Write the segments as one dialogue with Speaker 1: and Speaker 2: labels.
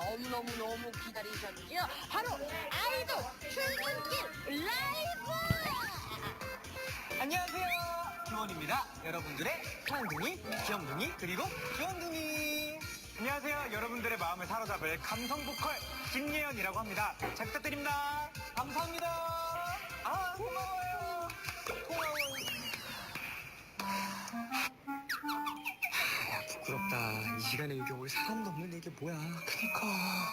Speaker 1: 너무너무 기다리셨죠? 바로 아이돌 출근길 라이브!
Speaker 2: 안녕하세요, 기원입니다. 여러분들의 쌍둥이, 귀염둥이, 그리고 귀염둥이. 안녕하세요, 여러분들의 마음을 사로잡을 감성 보컬 김예연이라고 합니다. 잘 부탁드립니다. 감사합니다. 아, 고마워요. 야, 부끄럽다. 이 시간에 여기 올 사람도 없는데 이게 뭐야. 그니까.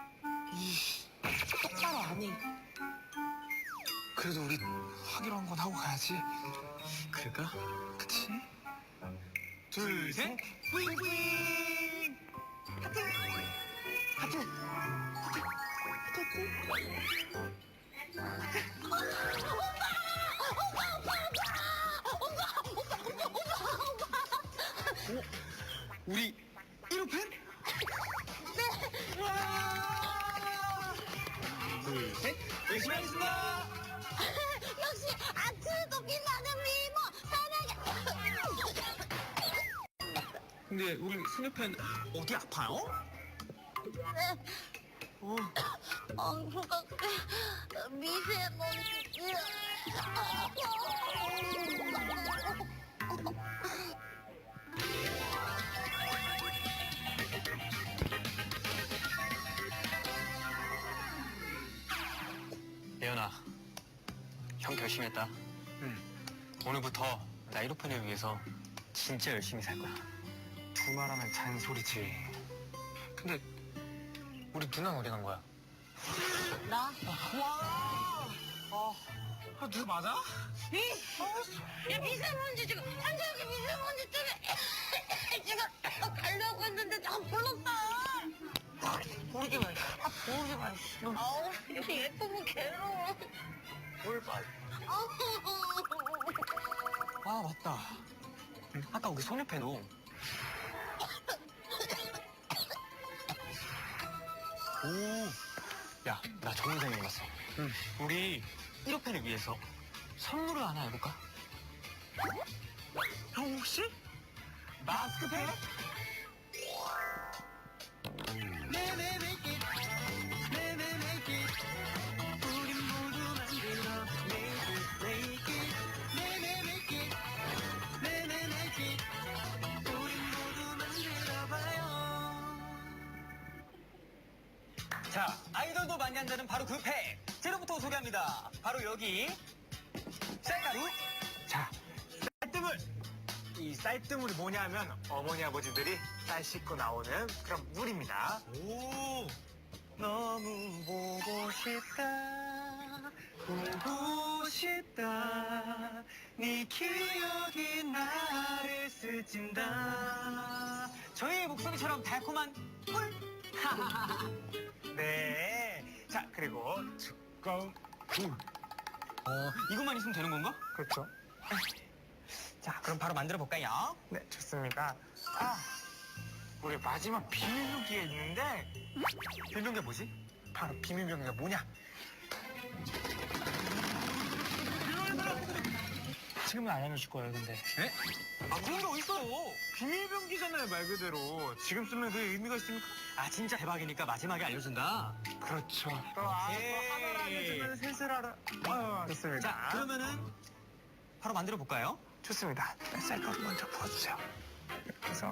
Speaker 1: 똑바로 안 해.
Speaker 2: 그래도 우리 하기로 한 건 하고 가야지. 그럴까? 그치? 둘, 셋, 뿌잉뿌잉! 하트! 하트! 오, 우리 1호 팬? 네! 와! 둘, 셋, 열심히 하겠습니다!
Speaker 1: 역시 아트도 빛나는 미모 사랑해.
Speaker 2: 근데 우리 소녀팬 어디 아파요?
Speaker 1: 네. 그니까 미세먼지.
Speaker 3: 예연아, 형 결심했다.
Speaker 2: 응.
Speaker 3: 오늘부터 나 1호편을 위해서 진짜 열심히 살 거야.
Speaker 2: 두 말하면 잔소리지. 근데 우리 누나는 어디 간 거야?
Speaker 1: 나?
Speaker 2: 누구 맞아?
Speaker 1: 야 미세먼지 지금 한국이 미세먼지 때문에 지금 가려고 했는데 나 불렀다.
Speaker 2: 모르지 마.
Speaker 1: 보지 마. 아우 예쁘고 괴로워.
Speaker 2: 뭘 봐. 아, 맞다. 아까 우리 소녀팬도. 오. 야, 나 좋은 생각 났어.
Speaker 3: 응.
Speaker 2: 우리 1호팬을 위해서 선물을 하나 해볼까? 형 혹시? 마스크팩? 우린 모두 만들어 make it 우린 모두 만들어봐요. 자, 아이돌도 많이 한다는 바로 그 팩 재료부터 소개합니다. 바로 여기 쌀가루. 자, 쌀뜨물. 이 쌀뜨물이 뭐냐면 어머니 아버지들이 쌀 씻고 나오는 그런 물입니다. 오, 너무 보고 싶다, 보고 싶다. 네 기억이 나를 스친다. 저희의 목소리처럼 달콤한 꿀. 네. 자, 그리고 두꺼운 물.
Speaker 3: 이것만 있으면 되는 건가?
Speaker 2: 그렇죠. 자, 그럼 바로 만들어 볼까요? 네, 좋습니다. 아, 우리 마지막 비밀병기가 있는데 비밀병기가 뭐지? 바로 비밀병기가 뭐냐? 지금은 안 알려줄 거예요, 근데.
Speaker 3: 네?
Speaker 2: 아, 그런 게 어딨어요? 비밀병기잖아요, 말 그대로. 지금 쓰면 그 의미가 있습니까?
Speaker 3: 아, 진짜 대박이니까 마지막에 알려준다.
Speaker 2: 그렇죠. 또
Speaker 3: 오케이.
Speaker 2: 하나를 알려주면 셋을 알아. 좋습니다.
Speaker 3: 자, 그러면은 바로 만들어 볼까요?
Speaker 2: 좋습니다. 쌀가루 먼저 부어주세요. 그래서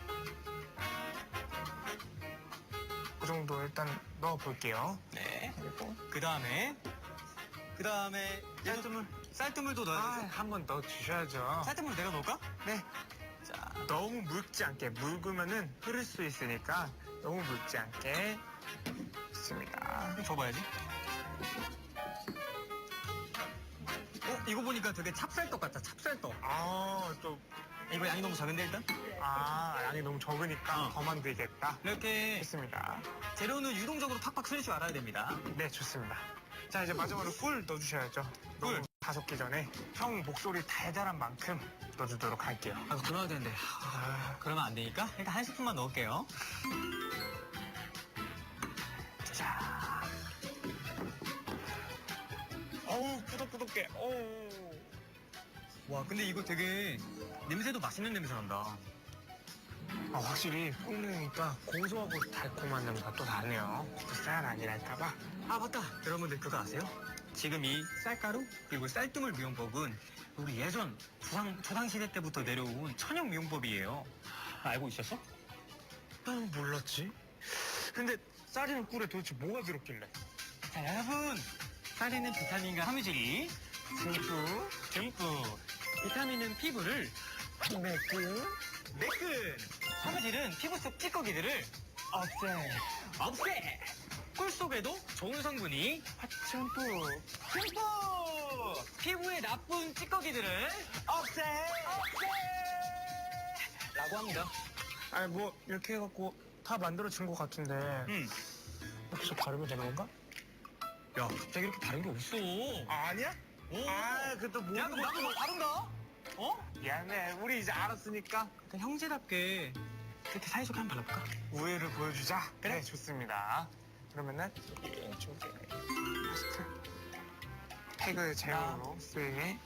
Speaker 2: 그 정도 일단 넣어볼게요.
Speaker 3: 네.
Speaker 2: 그리고
Speaker 3: 그 다음에 쌀뜨물도 넣어야 되지.
Speaker 2: 한 번 넣어주셔야죠.
Speaker 3: 쌀뜨물 내가 넣을까?
Speaker 2: 네.
Speaker 3: 자,
Speaker 2: 너무 묽지 않게, 묽으면은 흐를 수 있으니까 너무 묽지 않게. 좋습니다.
Speaker 3: 줘봐야지. 이거 보니까 되게 찹쌀떡 같다, 찹쌀떡.
Speaker 2: 아, 또,
Speaker 3: 이거 양이 너무 작은데, 일단?
Speaker 2: 양이 너무 적으니까 더 만들겠다.
Speaker 3: 이렇게
Speaker 2: 좋습니다.
Speaker 3: 재료는 유동적으로 팍팍 쓸 줄 알아야 됩니다.
Speaker 2: 네, 좋습니다. 자, 이제 마지막으로 꿀 넣어주셔야죠.
Speaker 3: 꿀.
Speaker 2: 다 섞기 전에 형 목소리 달달한 만큼 넣어주도록 할게요.
Speaker 3: 아, 그거 넣어야 되는데. 그러면 안 되니까 일단 한 스푼만 넣을게요.
Speaker 2: 자. 어우, 꾸덕꾸덕해. 어우.
Speaker 3: 와, 근데 이거 되게 냄새도 맛있는 냄새 난다.
Speaker 2: 확실히 끓으니까 고소하고 달콤한 냄새가 또 나네요. 쌀 아니랄까봐.
Speaker 3: 아 맞다 여러분들 그거 아세요? 지금 이 쌀가루 그리고 쌀뜨물 미용법은 우리 예전 조상시대 때부터 내려온 천연 미용법이에요. 알고 있었어?
Speaker 2: 난 몰랐지. 근데 쌀이랑 꿀에 도대체 뭐가 들었길래?
Speaker 3: 자 여러분 쌀에는 비타민과 섬유질이 듬뿍 비타민은 피부를 매끈 섬유질은 피부 속 찌꺼기들을 없애 꿀 속에도 좋은 성분이
Speaker 2: 화천뿌.
Speaker 3: 듬뿍 피부에 나쁜 찌꺼기들을
Speaker 2: 없애.
Speaker 3: 라고 합니다.
Speaker 2: 아니 뭐 이렇게 해갖고 다 만들어진 것 같은데 혹시 바르면 되는 건가?
Speaker 3: 야 갑자기 이렇게 다른 게 없어.
Speaker 2: 아니야?
Speaker 3: 오.
Speaker 2: 그것도
Speaker 3: 야 그럼 나도 뭐 다른가? 어?
Speaker 2: 미안해. 우리 이제 알았으니까
Speaker 3: 일단 형제답게 그렇게 사이좋게 한번 발라볼까?
Speaker 2: 우애를 보여주자.
Speaker 3: 그래?
Speaker 2: 네, 좋습니다. 그러면은 이쪽에 마스크 팩을 제형으로 쓰게.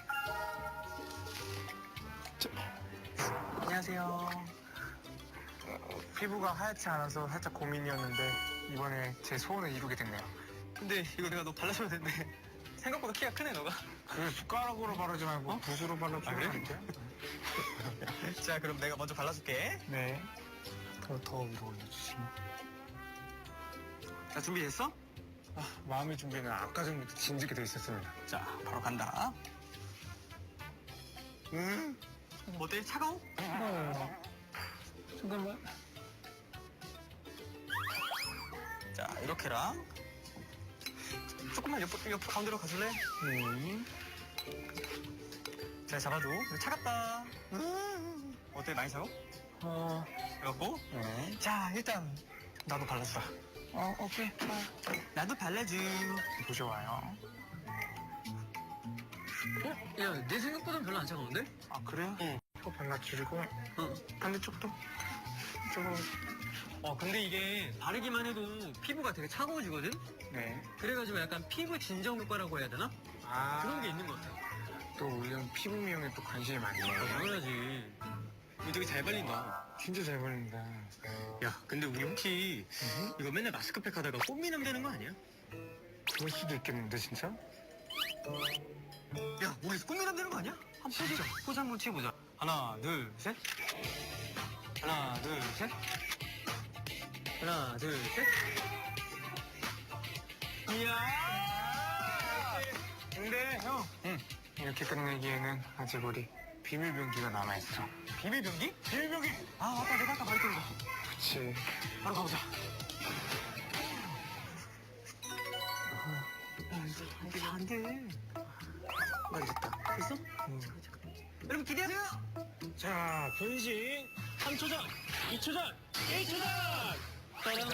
Speaker 3: 안녕하세요.
Speaker 2: 피부가 하얗지 않아서 살짝 고민이었는데 이번에 제 소원을 이루게 됐네요.
Speaker 3: 근데 이거 내가 너 발라줘야 되는데 생각보다 키가 크네 너가.
Speaker 2: 그 숟가락으로 바르지 말고 붓으로 발라주면
Speaker 3: 그래?
Speaker 2: 안 돼요?
Speaker 3: 자 그럼 내가 먼저 발라줄게.
Speaker 2: 네. 더 위로 올려주시면.
Speaker 3: 자 준비됐어?
Speaker 2: 마음의 준비는 아까 전부터 진지하게 돼 있었습니다.
Speaker 3: 자 바로 간다. 어때? 차가워?
Speaker 2: 잠깐만.
Speaker 3: 자 이렇게랑 조금만 옆 가운데로 가줄래? 잘 잡아줘. 이거 차갑다. 어때? 많이 차가워? 그래갖고
Speaker 2: 네.
Speaker 3: 자 일단 나도 발라주라.
Speaker 2: 오케이.
Speaker 3: 나도 발라줘.
Speaker 2: 보셔와요.
Speaker 3: 야 내 생각보단 별로 안 차가운데?
Speaker 2: 아, 그래요?
Speaker 3: 응.
Speaker 2: 또 발라주고, 반대쪽도. 이쪽으로.
Speaker 3: 근데 이게 바르기만 해도 피부가 되게 차가워지거든?
Speaker 2: 네.
Speaker 3: 그래가지고 약간 피부 진정 효과라고 해야 되나? 그런 게 있는 것 같아.
Speaker 2: 또 우리 피부 미용에 또 관심이 많네요.
Speaker 3: 당연하지. 이거 되게 잘 발린다.
Speaker 2: 진짜 잘 발린다.
Speaker 3: 야, 근데 우리 혹시 이거 맨날 마스크팩 하다가 꽃미남 되는 거 아니야?
Speaker 2: 그럴 수도 있겠는데, 진짜?
Speaker 3: 야, 우리 꽃미남 되는 거 아니야? 한번 포즈 한번 취해보자. 하나, 둘, 셋. 하나, 둘, 셋. 하나, 둘, 셋. 이야!
Speaker 2: 근데, 형. 이렇게 끝내기에는 아직 우리 비밀병기가 남아있어.
Speaker 3: 비밀병기?
Speaker 2: 비밀병기!
Speaker 3: 아, 맞다. 내가 아까 말했던 거.
Speaker 2: 그치.
Speaker 3: 바로 가보자. 안 돼.
Speaker 2: 나 됐다.
Speaker 3: 됐어? 여러분 기대하세요!
Speaker 2: 자, 변신.
Speaker 3: 3초 전, 2초 전, 1초 전! 따란.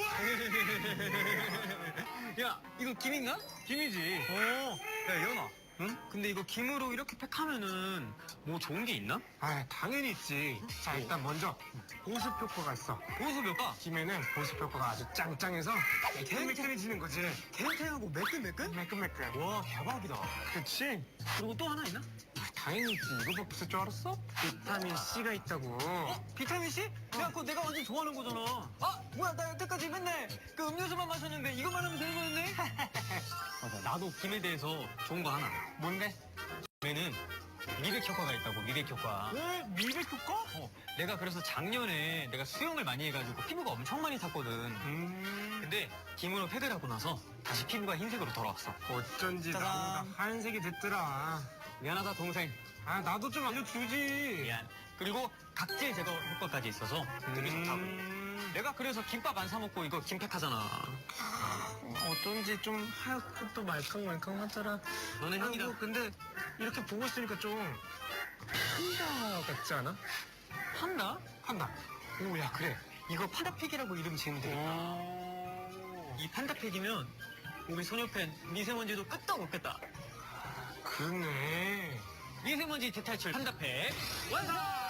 Speaker 3: 야, 이거 김인가? 김이지. 야, 예원아. 응? 근데 이거 김으로 이렇게 팩하면은 뭐 좋은 게 있나?
Speaker 2: 아, 당연히 있지. 자, 일단 먼저 보습 효과가 있어.
Speaker 3: 보습 효과?
Speaker 2: 김에는 보습 효과가 아주 짱짱해서 매끈매끈해지는 거지.
Speaker 3: 탱탱하고 매끈매끈?
Speaker 2: 매끈매끈.
Speaker 3: 와, 대박이다.
Speaker 2: 그치?
Speaker 3: 그리고 또 하나 있나?
Speaker 2: 당연히 있지. 이거밖에 없을 줄 알았어? 비타민 C가 있다고.
Speaker 3: 비타민 C? 야, 그거 내가 완전 좋아하는 거잖아. 아, 뭐야, 나 여태까지 맨날 그 음료수만 마셨는데 이것만 하면 되는 거였네? 맞아, 나도 김에 대해서 좋은 거 하나.
Speaker 2: 뭔데?
Speaker 3: 김에는 미백 효과가 있다고, 미백 효과.
Speaker 2: 왜? 미백 효과?
Speaker 3: 내가 그래서 작년에 내가 수영을 많이 해가지고 피부가 엄청 많이 탔거든. 근데 김으로 팩을 하고 나서 다시 피부가 흰색으로 돌아왔어.
Speaker 2: 어쩐지
Speaker 3: 짜잔.
Speaker 2: 나보다 하얀색이 됐더라.
Speaker 3: 미안하다, 동생.
Speaker 2: 아, 나도 좀 알려주지.
Speaker 3: 미안. 그리고 각질 제거 효과까지 있어서 되게 좋다고. 내가 그래서 김밥 안 사 먹고 이거 김팩 하잖아.
Speaker 2: 어쩐지 좀 하얗고 또 말캉말캉하더라.
Speaker 3: 너네 형이다.
Speaker 2: 아이고, 근데 이렇게 보고 있으니까 좀 판다 같지 않아?
Speaker 3: 판다?
Speaker 2: 판다. 오, 야, 그래.
Speaker 3: 이거 판다팩이라고 이름 지으면 되겠다. 이 판다팩이면 우리 소녀팬 미세먼지도 끄떡 없겠다.
Speaker 2: 그러네.
Speaker 3: 미세먼지 대탈출 판다팩 완성!